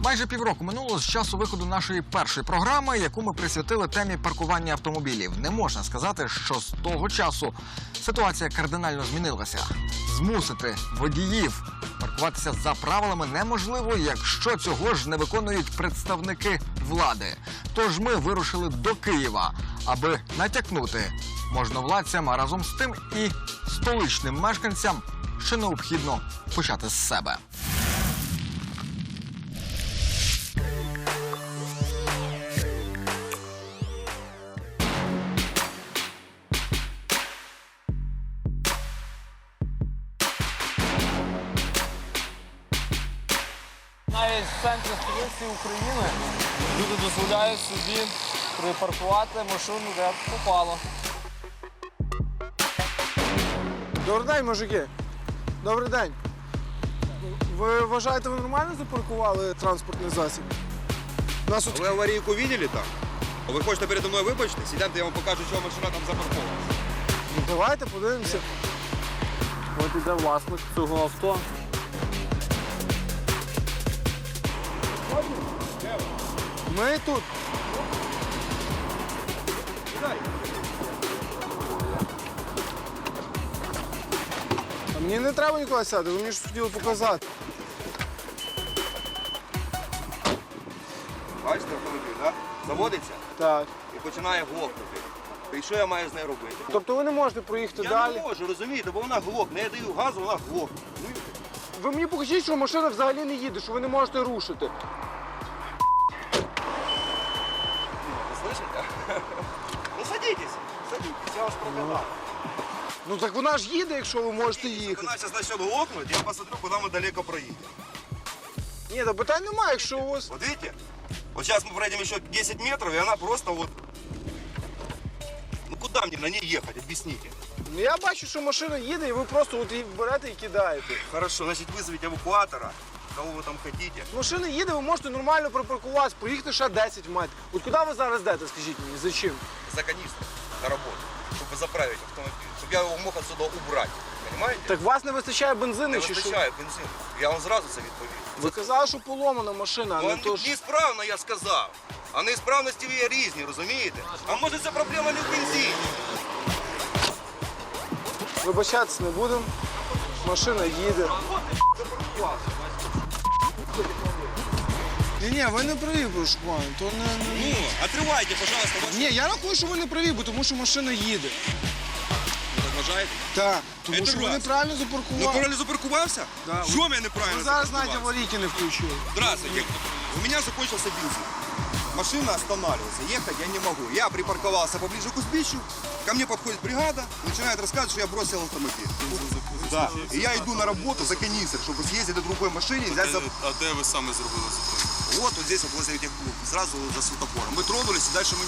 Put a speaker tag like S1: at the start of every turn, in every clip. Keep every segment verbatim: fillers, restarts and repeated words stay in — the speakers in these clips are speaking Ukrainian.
S1: Майже півроку минуло з часу виходу нашої першої програми, яку ми присвятили темі паркування автомобілів. Не можна сказати, що з того часу ситуація кардинально змінилася. Змусити водіїв паркуватися за правилами неможливо, якщо цього ж не виконують представники влади. Тож ми вирушили до Києва, аби натякнути можновладцям, а разом з тим і столичним мешканцям, що необхідно почати з себе.
S2: Навіть в центрі столиці України люди дозволяють собі припаркувати машину, де попало.
S3: Добрий день, мужики. Добрий день. Ви вважаєте, ви нормально запаркували транспортний засіб? Нас
S4: А ви аварійку бачили там? А ви хочете передо мною вибачити? Сідайте, я вам покажу, чого машина там запаркована.
S3: Ну, давайте подивимося.
S2: От іде власник цього авто.
S3: Ми тут. А мені не треба ніколи сяти, ви мені щось хотіли показати.
S4: Бачите автомобіль, так? Заводиться
S3: Так.
S4: і починає глохнути. І що я маю з нею робити?
S3: Тобто ви не можете проїхати
S4: Я
S3: далі?
S4: не можу, розумієте, бо вона глохне. Я даю газу, вона глохне. Розумієте?
S3: Ви мені покажіть, що машина взагалі не їде, що ви не можете рушити.
S4: Ви слышите? Ну садитесь, садитесь, я вас прокатав.
S3: Ну так вона ж їде, якщо ви можете їхати.
S4: Вона зараз почне глохнути, я посмотрю, куди ми далеко проїдемо.
S3: Ні, та питань немає, якщо у вас...
S4: Вот видите? Вот сейчас мы пройдем еще десять метров, и она просто вот... Ну куда мне на ней ехать, объясните?
S3: Ну я бачу, що машина їде, і ви просто от її берете і кидаєте.
S4: Хорошо, значит вызовите эвакуатора, кого вы там хотите.
S3: Машина їде, ви можете нормально припаркуватися, проїхати ще десять метрів. От куди ви зараз йдете, скажіть мені, за чим?
S4: За канистром на работу, чтобы заправить автомобиль, чтобы я его мог отсюда убрать. Понимаете?
S3: Так вас не вистачає бензину
S4: Не
S3: чи що?
S4: вистачає бензину. Я вам зразу це відповів.
S3: Ви казали, що поломана машина, а
S4: Ну,
S3: не то ж...
S4: неісправно, я сказав. А неісправності є різні, розумієте? А може це проблема не в бензині?
S3: Вибачатися не будемо. Машина їде. Ні, ні, ви не праві, прошу пана. То не, не...
S4: Ну, отривайте, пожалуйста, вашу...
S3: Ні, я рахую, що ви не праві, бо тому що машина їде.
S4: Ви так вважаєте?
S3: Так, тому
S4: Це
S3: що ви
S4: раз.
S3: неправильно
S4: Ну,
S3: запаркували.
S4: правильно запаркувався?
S3: Да.
S4: Що я неправильно
S3: Ви зараз навіть
S4: запаркувався?
S3: аварійки не включили.
S4: Здравствуйте. У меня закончился бензин. Машина останавливается. Ехать я не могу. Я припарковался поближе к узбищу. Ко мне подходит бригада, начинает рассказывать, что я бросил автомобиль. Да. И я иду на работу за канистр, чтобы съездить до другой машине и взять за...
S5: А де ви саме зробили зупинку?
S4: Вот, вот здесь, вот возле этих клуб, сразу за светофором. Мы тронулись, и дальше мы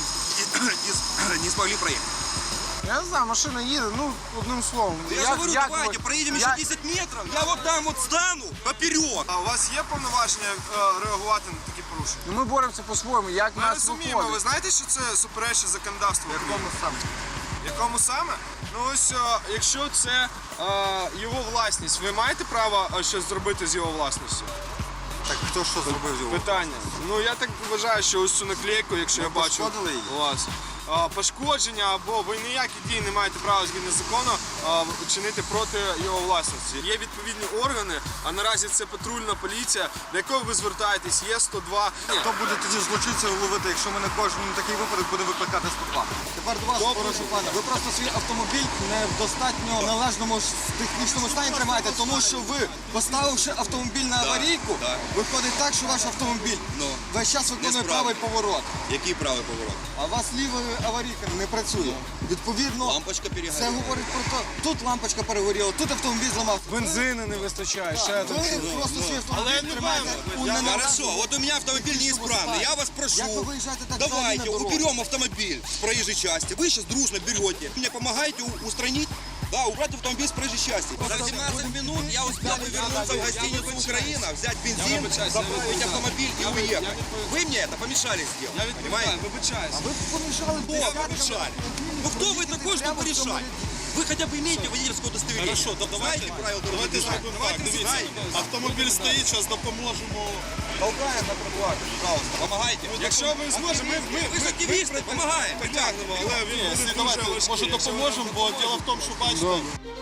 S4: не, не смогли проехать.
S3: Я не знаю, машина їде, ну, одним словом.
S4: Я же говорю, давайте, проедем еще десять метров, я вот там вот стану поперек.
S5: А у вас є повноваження реагувати на такі порушення?
S3: Ну, ми боремося по-своєму, як
S5: Ми
S3: нас
S5: розуміємо, ви
S3: виходить.
S5: знаєте, що це суперечить законодавству?
S3: Якому саме?
S5: Якому саме? Ну ось, о, якщо це е, його власність, ви маєте право е, щось зробити з його власністю?
S4: Так хто що зробив його?
S5: Питання. Ну я так вважаю, що ось цю наклейку, якщо я бачу
S4: пошкодили її?
S5: у вас. а, Пошкодження або ви ніякі дії не маєте права згідно закону а, чинити проти його власності. Є відповідні органи, а наразі це патрульна поліція, до якої ви звертаєтесь, є сто два.
S4: Хто буде тоді злочинців ловити, якщо ми на кожному такий випадок будемо викликати сто два?
S6: Тепер до вас, прошу пана, ви просто свій автомобіль не в достатньо належному ж технічному стані тримаєте, тому що ви, поставивши автомобіль на аварійку,
S4: да.
S6: виходить так, що ваш автомобіль
S4: Ну,
S6: весь час виконує
S4: несправний.
S6: правий поворот,
S4: Який правий поворот?
S6: а у вас ліва аварійка не працює. Відповідно,
S4: Лампочка
S6: це
S4: перегоріла.
S6: говорить про те, тут лампочка перегоріла, тут автомобіль зламався.
S3: Бензину не вистачає, ще там.
S6: Ви просто свій автомобіль тримаєте у
S4: Я-
S6: неналежному
S4: Хорошо, вот у меня автомобиль неисправный. Я вас прошу,
S6: Як ви виїжджаєте так взагалі
S4: давайте
S6: на дорогу?
S4: уберем автомобиль с проезжей части. Вы сейчас дружно берете. Мне помогаете у- устранить, да, убрать автомобиль с проезжей части. За восемнадцать минут я успел бы вернуться в гостиницу «Украина», взять бензин, заправить автомобиль и уехать. Вы мне это помешали сделать, понимаете?
S5: Вибачаюсь.
S6: Ви помішали
S4: Кто вы помешали? Ну кто вы такой, чтобы решать? Вы хотя бы имеете водительское удостоверение?
S5: Хорошо, то
S4: Знаете правила дорожного
S5: Давайте
S4: движения?
S5: зробимо так, дивіться. Автомобіль стоїть, зараз допоможемо
S4: Толкаем на тротуар, пожалуйста, помогайте.
S5: Якщо ви зможете, ми, ми,
S4: Ви ж активісти, помагаємо.
S5: притягнемо, але він буде дуже важкий. Може допоможемо, бо діло в тому, що бачите,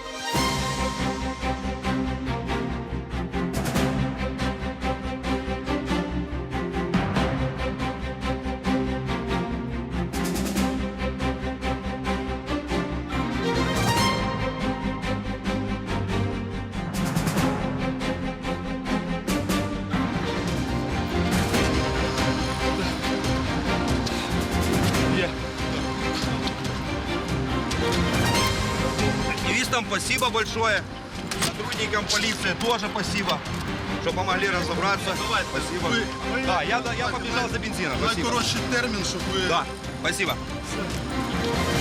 S4: Активистам спасибо большое. Сотрудникам полиции тоже спасибо, что помогли разобраться. Спасибо. Да, я, я побежал за бензином. Спасибо.
S5: найкоротший термін, щоб ви...
S4: Да, спасибо.